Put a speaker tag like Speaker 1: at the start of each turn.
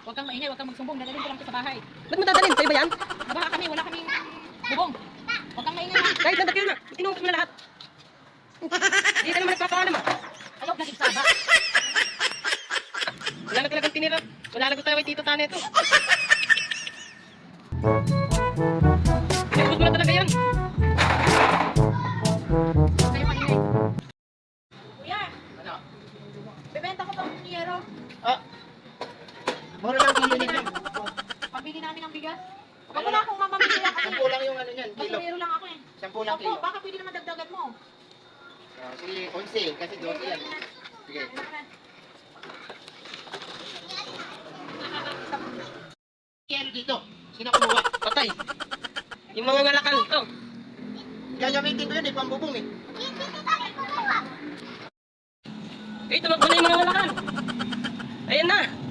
Speaker 1: Huwag kang maingay, huwag kang magsumbong. Dadalhin ko lang ito sa bahay.
Speaker 2: Ba't mo dadalhin? Sa'yo ba yan?
Speaker 1: Baha kami, wala kaming bubong. Huwag kang maingay ha.
Speaker 2: Kahit nandakin na. Inuubos mo na lahat. Hindi ka naman nagpapaalam ah.
Speaker 1: Ayaw na saba.
Speaker 2: Wala na talagang tinira. Wala na gusto tayo kay Tito Tane ito. Inuubos mo na talaga yan.
Speaker 1: Kayo maingay. Kuya,
Speaker 3: Ano?
Speaker 1: bebenta ko pang yero.
Speaker 3: Ah. Mura lang kilo niyan.
Speaker 1: Pambili namin ng bigas. Huwag mo na akong mamamili lang kasi
Speaker 3: 10 lang yung ano niyan, kilo.
Speaker 1: basurero lang ako eh.
Speaker 3: 10 lang
Speaker 1: Opo,
Speaker 3: kilo.
Speaker 1: baka pwede naman dagdagan mo.
Speaker 3: Ah, sige, 11 kasi 12 yan. Sige. Kilo dito. Sino kumuha?
Speaker 2: Patay. Yung mga ngalakal ito.
Speaker 3: Gagamitin ko yun eh, pambubong eh.
Speaker 2: Eh, tumakbo na yung mga ngalakal. Ayan na.